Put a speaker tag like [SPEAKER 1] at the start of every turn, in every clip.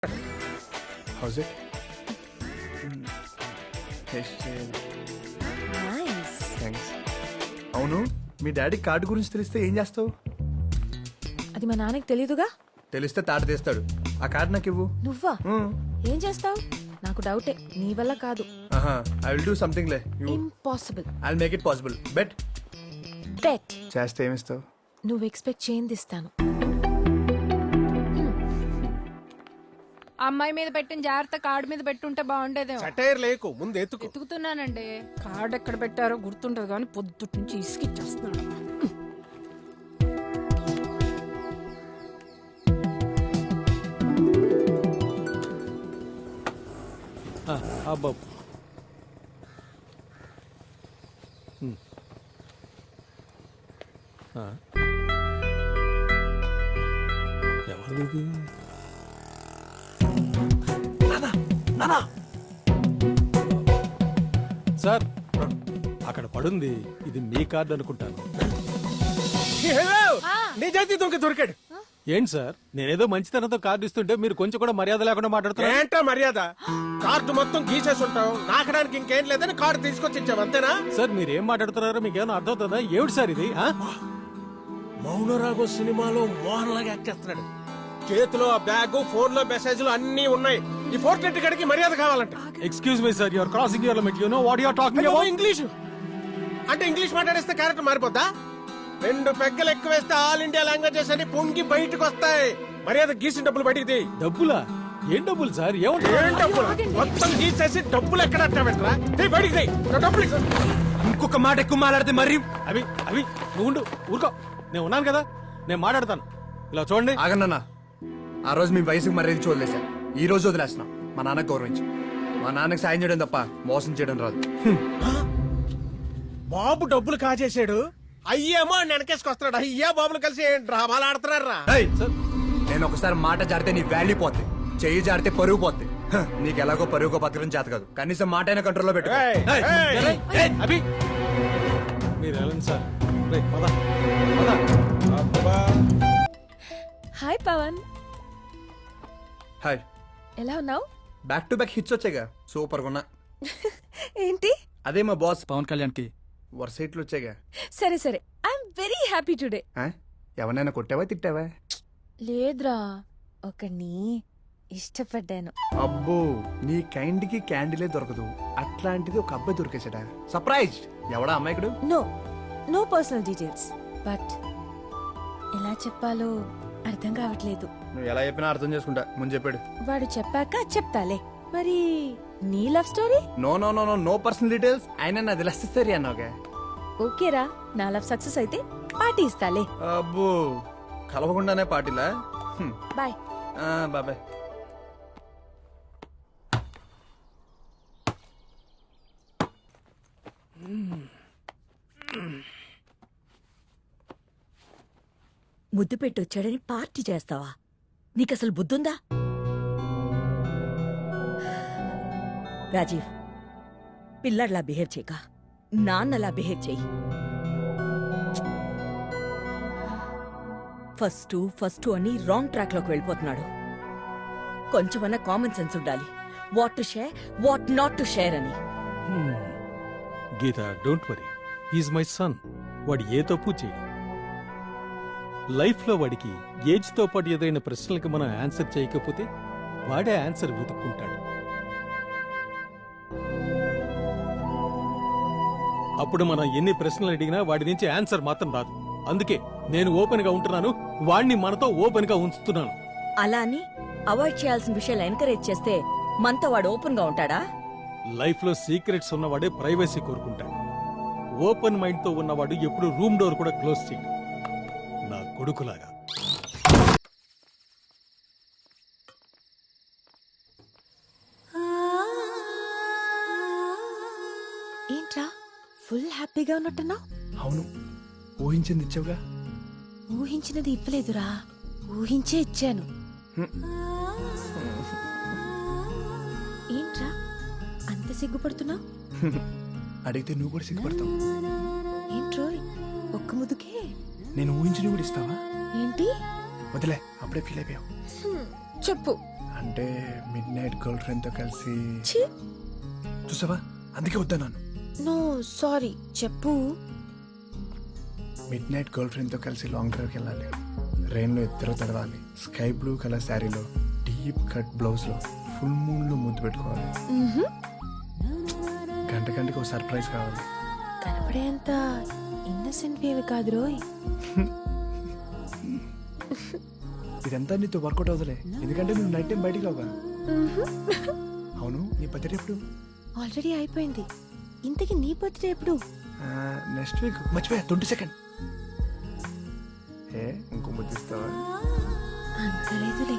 [SPEAKER 1] How's it?
[SPEAKER 2] Nice.
[SPEAKER 1] Thanks. అవును, మీ daddy card గురించి తెలిస్తే ఏం చేస్తావు?
[SPEAKER 2] అది మా నాన్నకి తెలీదుగా.
[SPEAKER 1] తెలిస్తే తాట తీస్తాడు. ఆ కార్డు నాకు ఇవ్వు.
[SPEAKER 2] నువ్వా? ఏం చేస్తావు? నాకు డౌటే, నీ వల్ల కాదు.
[SPEAKER 1] ఐ విల్ డూ సంథింగ్ లే.
[SPEAKER 2] Impossible.
[SPEAKER 1] I will make it possible. Bet.
[SPEAKER 2] Bet.
[SPEAKER 1] చేస్తే ఏమిస్తావు?
[SPEAKER 2] నువ్వు ఎక్స్పెక్ట్ చేయండి ఇస్తాను.
[SPEAKER 3] అమ్మాయి మీద పెట్టిన జాగ్రత్త కార్డు మీద పెట్టుంటే బాగుండేదేమో.
[SPEAKER 4] సటైర్ లేకు, ముందు
[SPEAKER 3] ఎత్తుకుతున్నానండి. కార్డు ఎక్కడ పెట్టారో గుర్తుంటది కానీ పొద్దుటి నుంచి ఇసుకిచ్చేస్తున్నాడు.
[SPEAKER 4] అబ్బా. ఎవరిది? సార్, అక్కడ పడుంది. ఇది మీ కార్డు అనుకుంటాను. నిజాయితీ దొరికాడు. ఏంటి సార్, నేనేదో మంచితనంతో కార్డు ఇస్తుంటే మీరు కొంచెం కూడా మర్యాద లేకుండా మాట్లాడుతున్నారు.
[SPEAKER 5] ఏంటో మర్యాద? కార్డు మొత్తం గీసేసి ఉంటావు, నాకడానికి ఇంకేం లేదని కార్డు తీసుకొచ్చి ఇచ్చావు, అంతేనా?
[SPEAKER 4] సార్, మీరు ఏం మాట్లాడుతున్నారో మీకు ఏమైనా అర్థమవుతుందా? ఏమిటి సార్ ఇది?
[SPEAKER 5] మౌనరాగో సినిమాలో మోహన్ లాగా యాక్ట్ చేస్తున్నాడు. చేతిలో ఆ బ్యాగ్, ఫోన్ లో మెసేజ్లు అన్ని ఉన్నాయి. ఈ ఫోర్ట్ గడికి మర్యాద కావాలంట.
[SPEAKER 4] Excuse me sir, you are crossing your limit. You know what you are talking about?
[SPEAKER 5] English అంటే ఇంగ్లీష్ మాట్లాడేస్తే క్యారెక్టర్ మారిపోద్దా? 2 పెగ్గలు ఎక్కువ వేస్తే ఆల్ ఇండియా లాంగ్వేజెస్ అని పొంగి బయటకు వస్తాయి. మర్యాద గీసిన డబ్బులు బయటికి తీ.
[SPEAKER 4] డబ్బులా? ఏం డబ్బులు సార్?
[SPEAKER 5] ఏం డబ్బులు? మొత్తం గీసేసి డబ్బులు ఎక్కడ పెట్టరా? బయటికి తీ డబ్బులు.
[SPEAKER 4] ఇంకొక మాట ఎక్కువ మాట్లాడితే మరి అవి అవి నువ్వు ఉండు, ఊరుకో. నేను ఉన్నాను కదా, నేను మాట్లాడతాను. ఇలా చూడండి.
[SPEAKER 1] ఆగన్నా, ఆ రోజు మీ వయసుకు మర్యాద చూడలేసా. ఈ రోజు వదిలేస్తున్నాం. మా నాన్నకు గౌరవించి. మా నాన్నకి సాయం చేయడం తప్ప మోసం చేయడం రాదు.
[SPEAKER 5] బాబు డబ్బులు కాజేశాడు, అయ్యేమో వెనకేసుకొస్తున్నాడు. అయ్యా బాబులు కలిసి డ్రామాలు ఆడుతున్నారా?
[SPEAKER 1] నేను ఒకసారి మాట జారితే నీ వాల్యూ పోతే, చెయ్యి జారితే పరుగు పోతే. నీకు ఎలాగో పరుగుకో బతకడం చేత కాదు. కనీసం మాట అయినా కంట్రోల్లో పెట్టు.
[SPEAKER 4] అభి, మీరు వెళ్ళండి సార్. పద.
[SPEAKER 2] హాయ్ పవన్.
[SPEAKER 1] హాయ్.
[SPEAKER 2] ఎలా ఉన్నావు?
[SPEAKER 1] బ్యాక్ టు బ్యాక్ హిట్స్ వచ్చాయిగా, సూపర్ గా ఉన్నా.
[SPEAKER 2] ఏంటి?
[SPEAKER 1] అదే మా బాస్
[SPEAKER 4] పవన్ కళ్యాణ్ కి
[SPEAKER 1] వరుస హిట్లు వచ్చాయిగా.
[SPEAKER 2] సరే సరే, ఐఎమ్ వెరీ హ్యాపీ టుడే.
[SPEAKER 1] ఎవరైనా కొట్టావా తిట్టావా?
[SPEAKER 2] లేదురా, ఒకని ఇష్టపడ్డాను.
[SPEAKER 1] అబ్బో, నీ కైండ్ కి క్యాండిలే దొరకదు. అట్లాంటిది ఒక అబ్బాయి దొరికేసాడా? సర్ప్రైజ్. ఎవడా అమ్మాయికుడు?
[SPEAKER 2] నో పర్సనల్ డీటెయిల్స్, బట్ ఎలా చెప్పాలో అర్థం కావట్లేదు.
[SPEAKER 1] నువ్వు ఎలా చెప్పినా అర్థం చేసుకుంటా. ముందు చెప్పాడు.
[SPEAKER 2] వాడు చెప్పాక చెప్తాలే. మరి నీ love story?
[SPEAKER 1] No no no no no personal details. ఆయన నాది లవ్ స్టోరీ అన్నావుగా.
[SPEAKER 2] ఓకేరా, నా లవ్ సక్సెస్ అయితే పార్టీ ఇస్తాలే.
[SPEAKER 1] అబ్బో, కలవకుండానే పార్టీలా?
[SPEAKER 2] బాయ్.
[SPEAKER 1] బాబాయ్.
[SPEAKER 6] ముద్దు పెట్టొచ్చాడని పార్టీ చేస్తావా? నీకసలు బుద్ధుందా? రాజీవ్, పిల్లడ్లా బిహేవ్ చేయక నాన్నలా బిహేవ్ చెయ్యి. ఫస్ట్ అని రాంగ్ ట్రాక్ లోకి వెళ్ళిపోతున్నాడు. కొంచెమన్నా కామన్ సెన్స్ ఉండాలి. What to share, what not to share అని.
[SPEAKER 4] Geetha, don't worry, he's my son. వాడు ఏ తప్పు చేయడు. లైఫ్ లో వాడికి ఏజ్ తో పాటు ఏదైనా ప్రశ్నలకు మనం ఆన్సర్ చేయకపోతే వాడే ఆన్సర్ వెతుక్కుంటాడు. అప్పుడు మనం ఎన్ని ప్రశ్నలు అడిగినా వాడి నుంచి ఆన్సర్ మాత్రం రాదు. అందుకే నేను ఓపెన్ గా ఉంటున్నాను, వాడిని మనతో ఓపెన్ గా ఉంచుతున్నాను.
[SPEAKER 6] అలా అని అవాయిడ్ చేయాల్సిన విషయాలు ఎంకరేజ్ చేస్తే మనతో వాడు ఓపెన్ గా ఉంటాడా?
[SPEAKER 4] లైఫ్ లో సీక్రెట్స్ ఉన్నవాడే ప్రైవసీ కోరుకుంటాడు. ఓపెన్ మైండ్ తో ఉన్నవాడు ఎప్పుడు రూమ్ డోర్ కూడా క్లోజ్ చేయడు. నా కొడుకులాగా.
[SPEAKER 2] ఏంట్రా ఫుల్ హ్యాపీగా ఉన్నట్టున్నావు?
[SPEAKER 1] అవును, ఊహించింది ఇచ్చావుగా.
[SPEAKER 2] ఊహించినది ఇవ్వలేదురా, ఊహించే ఇచ్చాను. ఏంట్రా అంత సిగ్గుపడుతున్నావు?
[SPEAKER 1] అడిగితే నువ్వు కూడా సిగ్గుపడతావు.
[SPEAKER 2] ఏంట్రోయ్ ఒక్క ముదుకే?
[SPEAKER 1] నేను ఊహించి కూడా ఇస్తావా?
[SPEAKER 2] ఏంటి?
[SPEAKER 1] వదిలే, అప్పుడే ఫీల్ అయిపోయావు.
[SPEAKER 2] చెప్పు.
[SPEAKER 1] అంటే మిడ్ నైట్ గర్ల్ ఫ్రెండ్ తో కలిసి
[SPEAKER 2] ఛీ
[SPEAKER 1] చూసావా అందుకే వద్దన్నాను.
[SPEAKER 2] నో సారీ చెప్పు.
[SPEAKER 1] మిడ్ నైట్ గర్ల్ ఫ్రెండ్ తో కలిసి లాంగ్ డ్రైవ్కి వెళ్ళాలి. రెయిన్ లో ఇద్దరు తడవాలి. స్కై బ్లూ కలర్ శారీలో డీప్ కట్ బ్లౌజ్ లో ఫుల్ మూన్ లో ముద్దు పెట్టుకోవాలి. గంటకి ఒక సర్ప్రైజ్ కావాలి.
[SPEAKER 2] కనపడేంత ఇన్నసెంట్ వేవి కాదు రోయ్.
[SPEAKER 1] ఇదంతా నీతో వర్కౌట్ అవుతలే, ఎందుకంటే నువ్వు నైట్ టైం బయటికి రావుగా. అవును, నీ బర్త్డే ఎప్పుడు?
[SPEAKER 2] ఆల్రెడీ అయిపోయింది. ఇంతకీ నీ బర్త్డే ఎప్పుడు?
[SPEAKER 1] Next week. మర్చిపోయా, 22nd. ఏ ఇంకో ముద్దిస్తావా?
[SPEAKER 2] అంత లేదులే.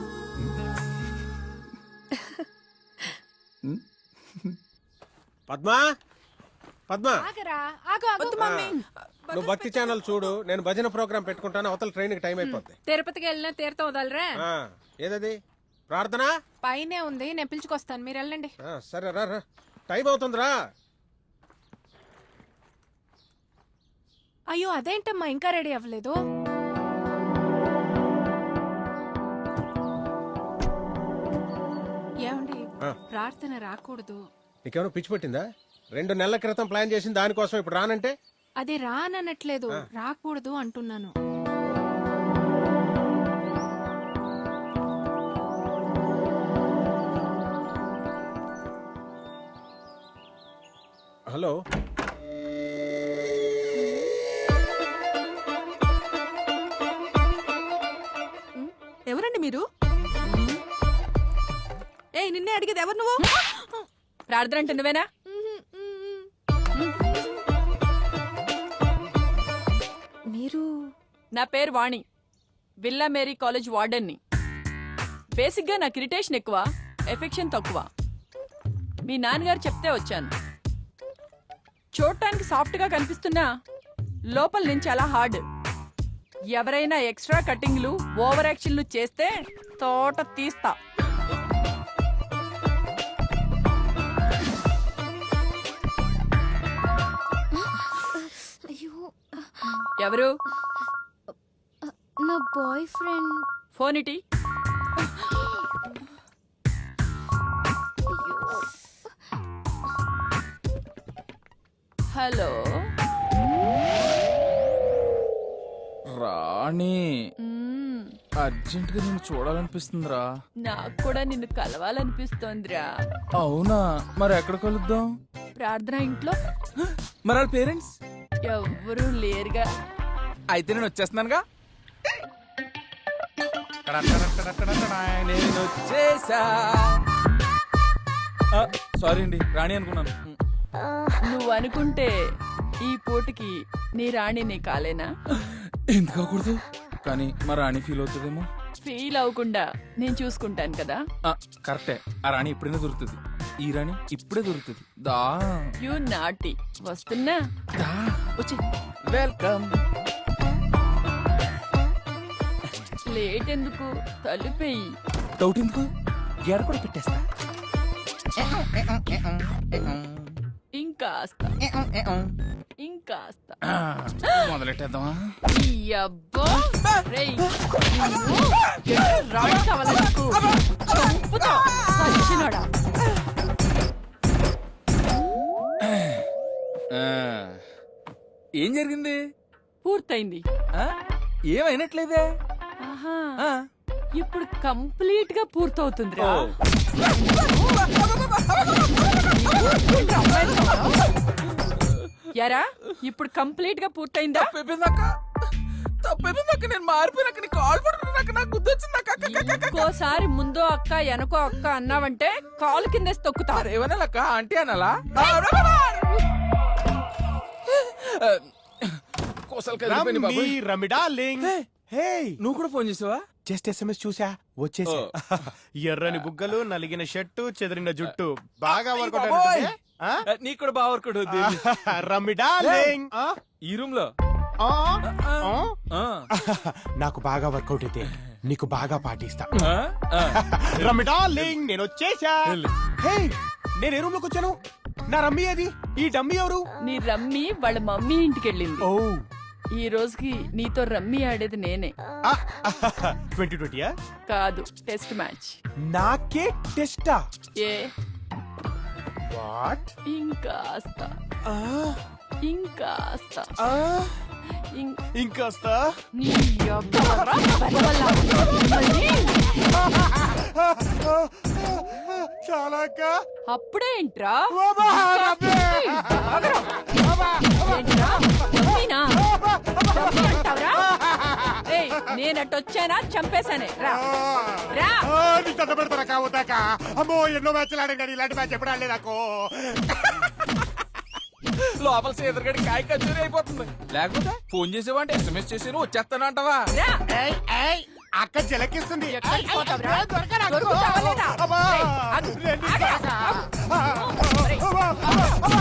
[SPEAKER 5] పద్మా పద్మా
[SPEAKER 3] ఆగరా ఆగు ఆగు
[SPEAKER 5] నువ్వు భక్తి ఛానల్ చూడు, నేను భజన ప్రోగ్రామ్ పెట్టుకుంటాను. అవతల ట్రైన్ కి టైం అయిపోద్ది.
[SPEAKER 3] తిరుపతికి వెళ్ళినా తీర్థం వదలరా.
[SPEAKER 5] ఆ, ఏదది ప్రార్థన?
[SPEAKER 3] పైనే ఉంది, నేను పిలుచుకొస్తాను, మీరు వెళ్ళండి.
[SPEAKER 5] ఆ, సరే రా రా, టైం అవుతుందిరా.
[SPEAKER 3] అయ్యో అదేంటమ్మా ఇంకా రెడీ అవ్వలేదు? ఏమండి
[SPEAKER 5] ఆ.
[SPEAKER 3] ప్రార్థన రాకూడదు.
[SPEAKER 5] నీకేమైనా పిచ్చి పట్టిందా? 2 నెలల క్రితం ప్లాన్ చేసిన దానికోసం ఇప్పుడు రానంటే?
[SPEAKER 3] అది రానట్లేదు, రాకూడదు అంటున్నాను.
[SPEAKER 5] హలో,
[SPEAKER 6] ఎవరండి మీరు? ఏయ్ నిన్నే అడిగేది ఎవరు నువ్వు? ప్రార్థన అంటే నువ్వేనా?
[SPEAKER 2] మీరు
[SPEAKER 6] నా పేరు వాణి, విల్లా మేరీ కాలేజ్ వార్డెన్ని. బేసిక్గా నాకు ఇరిటేషన్ ఎక్కువ, ఎఫెక్షన్ తక్కువ. మీ నాన్నగారు చెప్తే వచ్చాను. చూడటానికి సాఫ్ట్గా కనిపిస్తున్నా లోపల నుంచి చాలా హార్డ్. ఎవరైనా ఎక్స్ట్రా కటింగ్లు ఓవర్ యాక్షన్లు చేస్తే తోట తీస్తా.
[SPEAKER 2] అయ్యో
[SPEAKER 6] ఎవరు?
[SPEAKER 2] నా బాయ్ ఫ్రెండ్.
[SPEAKER 6] ఫోన్ ఇటీ. హలో
[SPEAKER 7] రాణి,
[SPEAKER 6] మ్మ్.
[SPEAKER 7] అర్జెంట్ గా నేను చూడాలనిపిస్తుందిరా.
[SPEAKER 6] నాకు కూడా నిన్ను కలవాలనిపిస్తోందిరా.
[SPEAKER 7] అవునా, మరి ఎక్కడ కలుద్దాం?
[SPEAKER 6] ప్రార్థన ఇంట్లో
[SPEAKER 7] మరి వాళ్ళ పేరెంట్స్?
[SPEAKER 6] ఎవ్వరూ లేరుగా.
[SPEAKER 7] అయితే నేను వచ్చేస్తున్నానుగా. నేను వచ్చేసా. సారీ అండి, రాణి అనుకున్నాను.
[SPEAKER 6] నువ్వు అనుకుంటే ఈ పూటకి నీ రాణి నీ కాలేనా?
[SPEAKER 7] ఎందుకు అవ్వకూడదు? కానీ మా రాణి ఫీల్ అవుతుందేమో.
[SPEAKER 6] ఫీల్ అవ్వకుండా నేను చూసుకుంటాను కదా.
[SPEAKER 7] కరెక్టే, ఆ రాణి ఎప్పుడైనా దొరుకుతుంది. ఈ రాణి ఇప్పుడే దొరుకుతుంది. దా
[SPEAKER 6] యు నాటి. వస్తున్నా.
[SPEAKER 7] దా వచ్చి. వెల్కమ్.
[SPEAKER 6] లేట్ ఎందుకు? తలుపేయి.
[SPEAKER 7] డౌట్ ఎందుకు? గేడ కూడా పెట్టేస్తా.
[SPEAKER 6] ఇంకాస్త ఇంకాస్త.
[SPEAKER 7] మొదలెట్టేద్దామా?
[SPEAKER 6] ఈ అబ్బా రేయ్, నిన్ను ఎక్కడ రాణి కావాలా నీకు? చంపుతా, సచ్చినోడా.
[SPEAKER 7] ఏం జరిగింది?
[SPEAKER 6] పూర్తయింది.
[SPEAKER 7] ఆ? ఏమైనట్లేదే?
[SPEAKER 6] ఆహా,
[SPEAKER 7] ఆ.
[SPEAKER 6] ఇప్పుడు కంప్లీట్ గా పూర్తవుతుంది.
[SPEAKER 7] ఓ.
[SPEAKER 6] యారా ఇప్పుడు కంప్లీట్ గా పూర్తయిందా?
[SPEAKER 7] తప్పైపోయిందాక నేను మారిపోయినాక నీ కాల్ పడుకున్నాక నాకు గుర్తొచ్చిందాక.
[SPEAKER 6] ఇంకోసారి ముందో అక్క వెనకో అక్క అన్నావంటే కాలు కిందేసి తొక్కుతారు.
[SPEAKER 7] ఏమనాలక్క? ఆంటీ అనాలా? కోసలు కలిగిపోయినాయి బాబోయ్.
[SPEAKER 5] రమ్మి డార్లింగ్. హే,
[SPEAKER 7] నువ్వు కూడా ఫోన్ చేసావా?
[SPEAKER 5] జస్ట్ ఎస్ఎంఎస్ చూసా, వచ్చేసా. ఎర్రని బుగ్గలు, నలిగిన షర్టు, చెదిరిన జుట్టు, బాగా వర్కౌట్
[SPEAKER 7] బాబోయ్.
[SPEAKER 5] అవుతుంది. ఆ?
[SPEAKER 7] నీకు కూడా బాగా వర్కౌట్ అవుతుంది.
[SPEAKER 5] రమ్మి డార్లింగ్. ఆ?
[SPEAKER 7] ఈ రూమ్ లో
[SPEAKER 5] ఆ?
[SPEAKER 7] ఆ.
[SPEAKER 5] నాకు బాగా వర్కౌట్ అయితే నీకు బాగా పాటిస్తా.
[SPEAKER 7] ఆ? ఆ.
[SPEAKER 5] రమ్మి డార్లింగ్, నేను వచ్చేసా.
[SPEAKER 7] వెళ్ళు.
[SPEAKER 5] హే, నేను ఏ రూమ్ లోకి వచ్చాను? నా రమ్మి అది. ఈ డమ్మి ఎవరు?
[SPEAKER 6] నీ రమ్మి వాళ్ళ మమ్మీ ఇంటికి వెళ్ళింది.
[SPEAKER 5] ఓ,
[SPEAKER 6] ఈ రోజుకి నీతో రమ్మీ ఆడేది నేనే
[SPEAKER 5] 2020
[SPEAKER 6] కాదు టెస్ట్ మ్యాచ్.
[SPEAKER 5] నాకే టెస్టా
[SPEAKER 6] ఏ
[SPEAKER 5] వాట్
[SPEAKER 6] ఇంకాస్త ఇంకాస్త
[SPEAKER 5] ఇంకాస్త
[SPEAKER 6] నీ యబ్బరా బలవల్ల మిమ్మల్ని.
[SPEAKER 5] చాలాక
[SPEAKER 6] అప్పుడేంట్రా నేనట్టొచ్చానా చంపేశానే రా రా.
[SPEAKER 5] నీ దండ పెడతారా కావద్దాక అమ్మో ఎన్నో మ్యాచ్లు ఆడాను ఇలాంటి మ్యాచ్ ఎప్పుడు ఆడలేదు నాకు
[SPEAKER 7] లోపల సీదరగడి కాయ కచ్చూరి అయిపోతుంది. లేకపోతే ఫోన్ చేసేవంటే ఎస్ఎంఎస్ చేసి వచ్చేస్తానంటావా?
[SPEAKER 6] రా.
[SPEAKER 5] అక్క జలకిస్తుంది
[SPEAKER 6] ఎక్కడికి పోతావురా? దొరుకుతావా లేదా?
[SPEAKER 5] అమ్మా.
[SPEAKER 6] ఏయ్, ఆగు, ఆగు, ఆగు.